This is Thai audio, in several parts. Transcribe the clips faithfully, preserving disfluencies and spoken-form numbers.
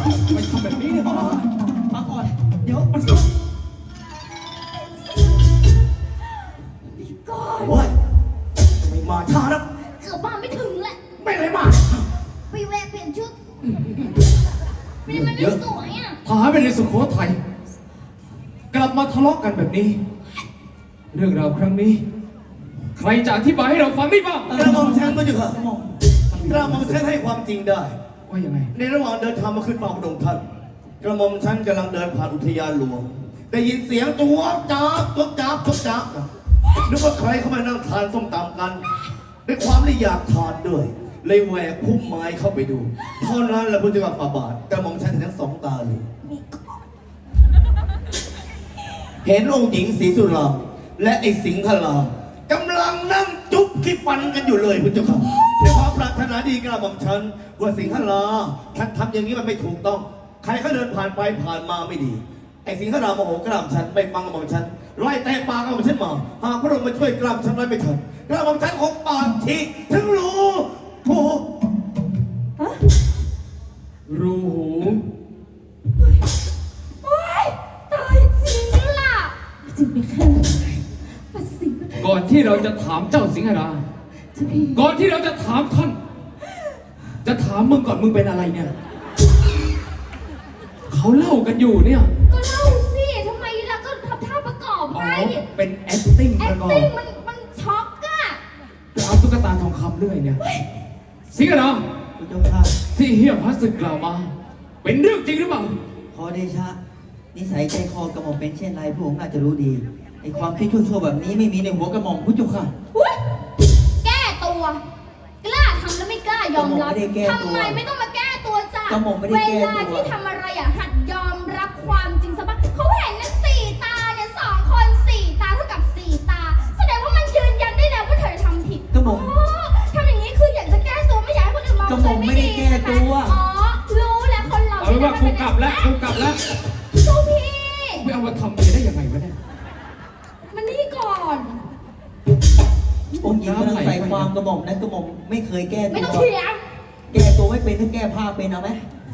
ไม่ทำแบบนี้เนี่ยมาก่อนเดี๋ยวมันพี่ก้อนโอ้ยไม่มาช้านะเกือบมาไม่ถึงแหละไม่ได้มาไปแวะเปลี่ยนชุดไม่ได้มันไม่สวยอ่ะทหารเป็นในสุโขทัยกลับมาทะเลาะกันแบบนี้ เรื่องราวครั้งนี้ ใครจะอธิบายให้เราฟังได้บ้างกระหม่อมฉันก็จะค่ะกระหม่อมฉันให้ความจริงได้ว่ายังไงในระหว่างเดินทางมาขึ้นเฝ้าพระองค์ท่านกระหม่อมฉันกำลังเดินผ่านอุทยานหลวงได้ยินเสียงตัวจ้าบตัวจ้าบตัวจ้าบนึกว่าใครเข้ามานั่งทานส้มตำกันด้วยความที่อยากทานด้วยเลยแหวกพุ่มไม้เข้าไปดูเท่านั้นแหละพุทธเจ้าฝ่าบาทกระหม่อมฉันเห็นทั้งสองตาเลยเห็นองค์หญิงศรีสุรามและไอ้สิงห์รามกำลังนั่งจุ๊บที่ฟันกันอยู่เลยพุทธเจ้าค่ะด้วยความปรารถนาดีกระหม่อมฉันว่าสิงห์ราท่านทำอย่างนี้มันไม่ถูกต้องใครเขาเดินผ่านไปผ่านมาไม่ดีไอ้สิงห์ราโมโหกระหม่อมฉันไม่ฟังกระหม่อมฉันไล่แต่ปากกระหม่อมฉันมาหากพระองค์มาช่วยกระหม่อมฉันไว้ไม่ทันกระหม่อมฉันคงปากฉีกถึงรู้โอ้รูหูโอ๊ยตายจริงล่ะจริงไหมคะปัสสิงก่อนที่เราจะถามเจ้าสิงหราจะพี่ก่อนที่เราจะถามท่าน จะถามมึงก่อนมึงเป็นอะไรเนี่ย เขาเล่ากันอยู่เนี่ยก็เล่าสิทำไมล่ะก็ทำท่าประกอบอ๋อไงเป็น acting แอประคกอบติ้งมันมันช็อกอะจะเอาตุ๊กตาทองคำด้วยเนี่ย สิงหราพระเจ้าค่ะที่เฮียพัสสึกกล่าวมา เป็นเรื่องจริงหรือเปล่าขอเดชะนิสัยใจคอกระหม่อมเป็นเช่นไรพระองค์น่าจะรู้ดีไอความคิดชั่วๆแบบนี้ไม่มีในหัวกระหม่อมพระเจ้าค่ะอุ๊ยแก้ตัว กล้าทำแล้วไม่กล้ายอมรับกระหม่อมไม่ได้แก้ตัวทำไมไม่ต้องมาแก้ตัวจ้ะกระหม่อมไม่ได้แก้ตัวเวลาที่ทำอะไรอ่ะหัดยอมรับความจริงซะบ้างเขาเห็นนะสี่ตาเนี่ยสองคนสี่ตาเท่ากับสี่ตา แสดงว่ามันยืนยันได้แล้วว่าเธอทำผิดกระหม่อมอ๋อทำอย่างนี้คืออยากจะแก้ตัวไม่อยากให้คนอื่นมองกระหม่อมไม่ได้แก้ตัวอ๋อรู้แล้วคนเราเอาเป็นว่ากูกลับแล้วกูกลับแล้วเจ้าพี่ไม่เอามาทำเลยได้ยังไงวะเนี่ยมันนี่ก่อนองค์หญิงกำลังใส่ความกระหม่อมนะกระหม่อมไม่เคยแก้ไม่ตัต้องวเถียงแก้ตัวไม่เป็นถ้าแก้ผ้าเป็นเอาไหม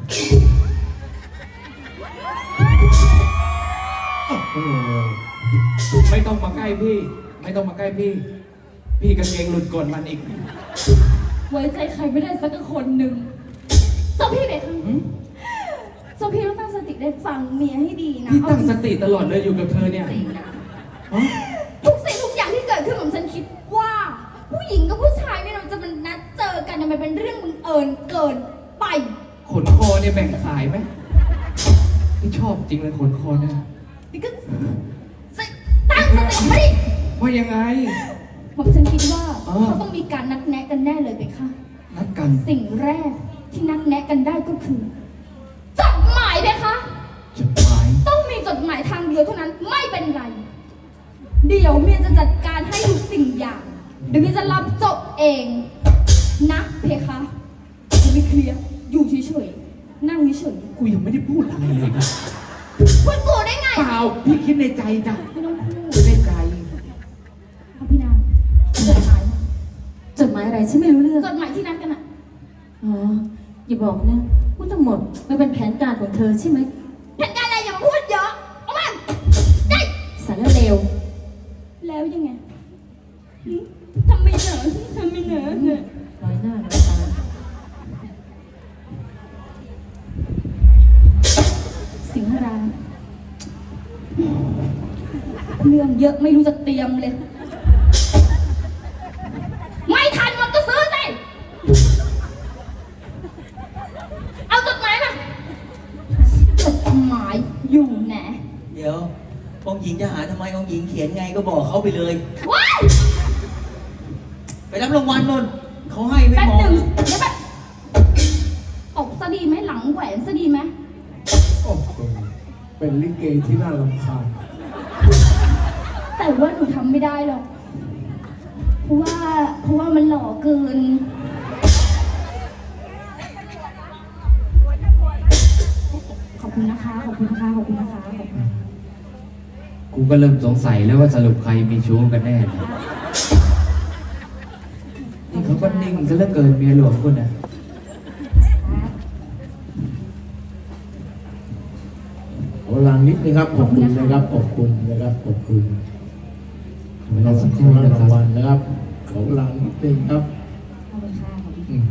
ไม่ต้องมาใกล้พี่ ไม่ต้องมาใกล้พี่ พี่กางเกงหลุดก่อนมันอีกไว้ใจใครไม่ได้สักคนหนึ่งเจ้าพี่เบคค่ะเจ้าพี่ต้องตั้งสติได้ฟังเมียให้ดีนะพี่ตั้งสติตลอดเลยอยู่กับเธอเนี่ยจริงนะฮะทุกสิ่งทุกอย่างที่เกิดขึ้นของฉันคิดว่า ผู้หญิงกับผู้ชายเนี่ยเราจะมันนัดเจอกันเนี่ยมันเป็นเรื่องบังเอิญเกินไปขนคอเนี่ยแบ่งขายไหมพี่ชอบจริงเลยขนคอเนี่ยนี่ก็ตั้งสติไม่ดิว่ายังไงผมฉันคิดว่าอ๋อเขาต้องมีการนัดแนะกันแน่เลยเบคค่ะนัดกันสิ่งแรกที่นัดแนะกันได้ก็คือจดหมายเบคค่ะจดหมายต้องมีจดหมายทางเดียวเท่านั้นไม่เป็นไร เดี๋ยวเมียจะจัดการให้ทุกสิ่งอย่าง เดี๋ยวเมียจะรับจบเองนะเพคะจะไม่เคลียร์อยู่เฉยๆนั่งเฉยกูยังไม่ได้พูดอะไรเลยนะๆพูดกูได้ไงเปล่าพี่คิดในใจจ้ะไม่ต้องพูดคิดในใจพระพี่นางจดหมายจดหมายอะไรฉันไม่รู้เรื่องจดหมายที่นัดกันอะอ๋อ อย่าบอกนะว่าทั้งหมดมันเป็นแผนการของเธอใช่ไหมแผนการอะไรอย่ามาพูดเยอะเอามันได้สารเลวแล้วยังไงหึทำไมเหนอทำไมเหนอเหนอน้อยหน้าน้อยตาสิงหราเรื่องเยอะไม่รู้จะเตรียมเลย ไม่ทันมันก็ซื้อสิเอาจดหมายมาจดหมายอยู่ไหนเดี๋ยวองค์หญิงจะหาทำไมองค์หญิงเขียนไงก็บอกเขาไปเลยว้ายไปรับรางวัลนนเขาให้ไม่แป๊บมอหงนึ่งเดี๋ยวแป๊บตบซะดีไหมหลังแหวนซะดีไหมโอ้โหเป็นลิเกที่น่ารำคาญแต่ว่าหนูทำไม่ได้หรอก เพราะว่า เพราะว่ามันหล่อเกิน ขอบคุณนะคะ ขอบคุณนะคะ ขอบคุณนะคะขอบคุณกูก็เริ่มสงสัยแล้วว่าสรุปใครมีชู้กันแน่เนี่ยนี่เขาก็นิ่งซะเหลือเกินเมียหลวงคุณนะเวลานิดนึงครับขอบคุณนะครับขอบคุณนะครับขอบคุณเวลาสักครู่รางนะครับวัลนะครับขอเวลานิดนึงครับขอบคุณค่ะขอบคุณอืม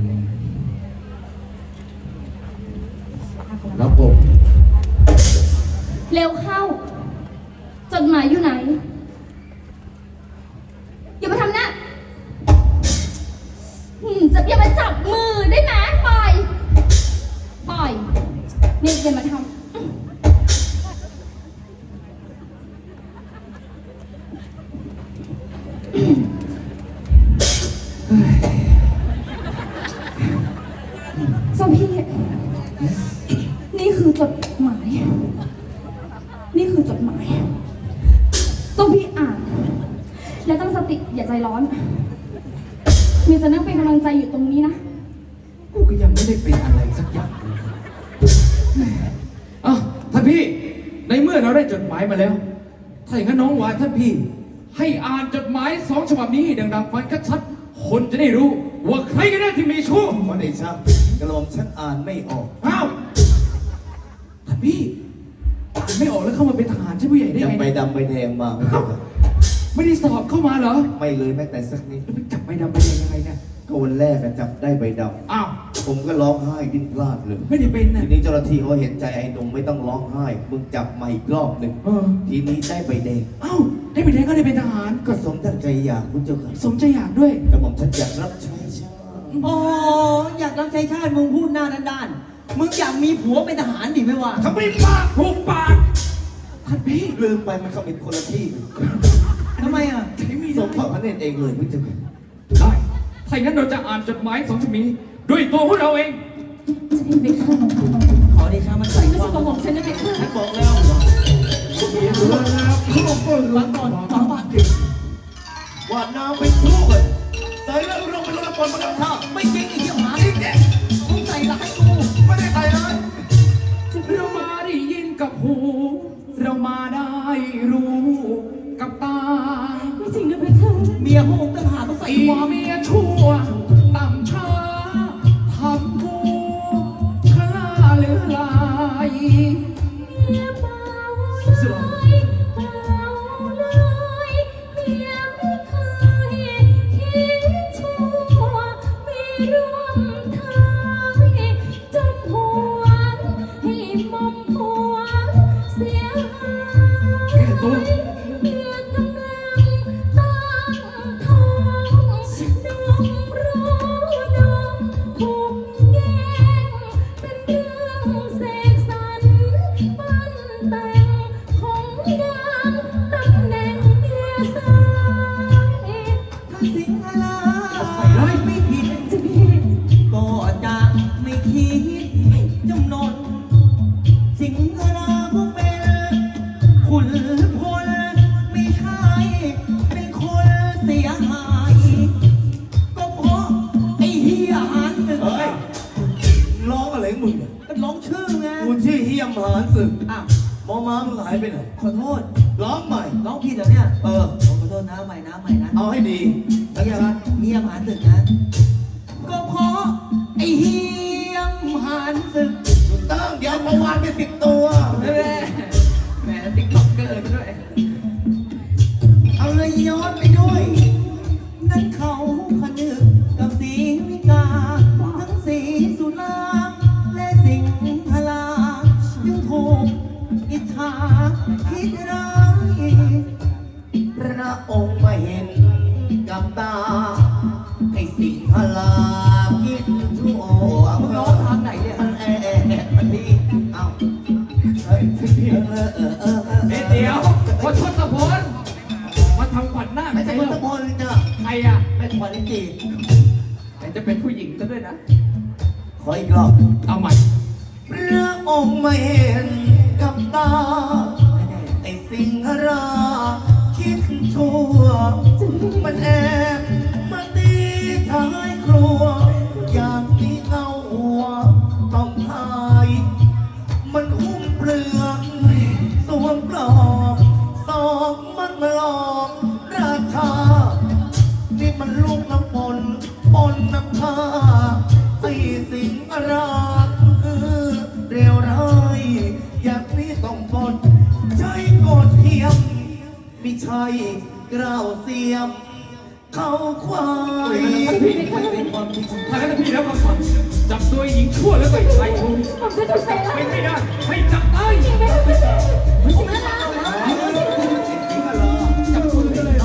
ครับผมเร็วเข้า จดหมายอยู่ไหน อย่ามาทำหน้าอืมจะอย่ามาจับมือได้ไหมปล่อย ปล่อย นี่อย่ามาทำ ส้มพี่ นี่คือจดหมาย นี่คือจดหมายส้มพี่อ่าน และตั้งสติอย่าใจร้อน มีจะนั่งเป็นกำลังใจอยู่ตรงนี้นะกูก็ยังไม่ได้เป็นอะไรสักอย่างเลยอ่ะท่านพี่ ในเมื่อเราได้จดหมายมาแล้ว ถ้าอย่างนั้นน้องวายท่านพี่ ให้อ่านจดหมายสองฉบับนี้ให้ดังๆฟังชัดๆคนจะได้รู้ ว่าใครกันแน่ที่มีชู้ขอเดชะกระหม่อมฉันอ่านไม่ออกอ้าวท่านพี่อ่านไม่ออกแล้วเข้ามาเป็นทหารใช่ผู้ใหญ่ได้ยังไงใบเนี่ยดำใบแดงมาไม่ใช่เหรอไม่ได้สอบเข้ามาเหรอไม่เลยแม้แต่สักนิดแล้วไปจับใบดำใบแดงยังไงเนี่ยก็วันแรกอะจับได้ใบดอ้าวำผมก็ร้องไห้ดิ้นพลาดเลยไม่ได้เป็นนะทีนี้เจ้าหน้าที่เขาเห็นใจไอ้หนุ่มไม่ต้องร้องไห้มึงจับมาอีกรอบหนึ่งเออทีนี้ได้ใบแดงเอ้าได้ใบแดงก็ได้เป็นทหารก็สมตั้งใจอยากคุณเจ้าค่ะสมใจอยากด้วยกระหม่อมฉันอยากรับใช้ชาติอ๋ออยากรับใช้ชาติมึงพูดหน้าด้านๆมึงอยากมีผัวเป็นทหารดิไหมวะทำไมปากถูกปากท่านพี่ลืมไปมันเขาเป็นคนละที่ทำไมอ่ะใช้มีสมพระพระเนตรเองเลยคุณเจ้าค่ะได้ถ้าอย่างนั้นเราจะอ่านจดหมายสองฉบับนี้ด้วยตัวพวกเราเองจะให้ไปฆ่าขอเดชะมันใส่ไม่คใช่วามกระหม่อมฉันนะไปฆ่าฉันบอกแล้วฟังก่อนฟังก่อนว่าน้ำไปทั่วเลยใส่แล้วลงไปลงละครมาแล้วท่าไม่จริงไอ้เหี้ยหมาจริงเด็กมึงใส่ร้ายกูไม่ได้ใส่เลยเรามาได้ยินกับหู เรามาได้รู้กับตาไม่จริงนะไปฆ่าเมียพวกมึงต่างหากต้องใส่ไอ้ความเมียชั่วต่ำช้าทำกูฆ่าเหลือลายเมียเบาเลยเบาเลยเมียไม่เคยคิดชั่วไม่ร่วมทางจนหัวให้มอมหัวเสียหายแก้ตัวเมียกำลังตั้งท้องดมรู้ดมถูกแย่งเป็นเรื่องเสกสรรปั้นแต่งของนางตำแหน่งเมียสายถ้าสิงหราไม่ผิดจะผิดก็จะไม่คิดจำนน สิงหราก็เป็นขุนพลไม่ใช่เป็นคนเสียหาย ก็เพราะไอ้เฮียหันศึกเฮ้ยร้องอะไรของมึงเนี่ยก็ร้องชื่อไงกูชื่อเฮียมหานศึกอ้าวหมอม้ามึงหายไปไหนขอโทษร้องใหม่ร้องผิดเหรอเนี่ยเออขอโทษนะใหม่นะใหม่นะเอาให้ดีแล้วเฮียจะเฮียหันศึกนะ ก็เพราะไอ้เฮียหันศึกตั้งเดี๋ยวมาวานไปสิบตัวแม่แม่ติ๊กต็อกเกอร์ด้วยเอาเลยย้อนไปด้วย นั่นเขาพนึกกับสีวิกา ทั้งสีสุรางและสิงหราจึงถูกอิจฉาคิดร้ายพระองค์มาเห็นกับตาไอ้สิงหลาคิดชั่วมึงร้องทางไหนเนี่ยมันแอบมันดีเอ้าเฮ้ยเออเออเออเออเดี๋ยวเดี๋ยวพอทศพลมาทำขวัญหน้าไม่ไม่ใช่ใช่พุทเหรธอพลจ้ะใครอ่ะแม่ขวัญจีแต่จะเป็นผู้หญิงซะด้วยนะขออีกรอบเอาใหม่พระองค์มาเห็นกับตา ไอ้สิงหราคิดชั่ว มันแอบมาตีท้ายครัว อย่างที่เอาหัวต้องทาย มันหุ้มเปลือกสวมปลอกสองมันมาหลอกราชา นี่มันลูกน้ำปนปนน้ำชาไอ้สิงหราคือเรียวร้ายอย่างนี้ต้องปลดใช้กดเทียมไม่ใช่กล่าวเสียม เขาควายท่านพี่ถ้าท่านพี่แล้วคำสั่งจับตัวหญิงชั่วแล้วไปใส่ถุงผมจะถูกใส่ไม่ร้ายไม่ได้ ให้จับตายจริงไหมครับพี่ไม่จริงนะจับตัวเลย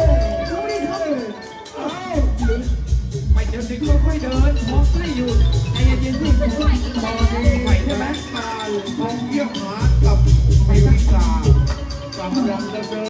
ไม่เดี๋ยวสิค่อยๆเดินมองใกล้อยู่ใจเย็นๆพี่ไหวใช่ไหมมาของเยี่ยมหากับไอวิกากำลังจะเดิน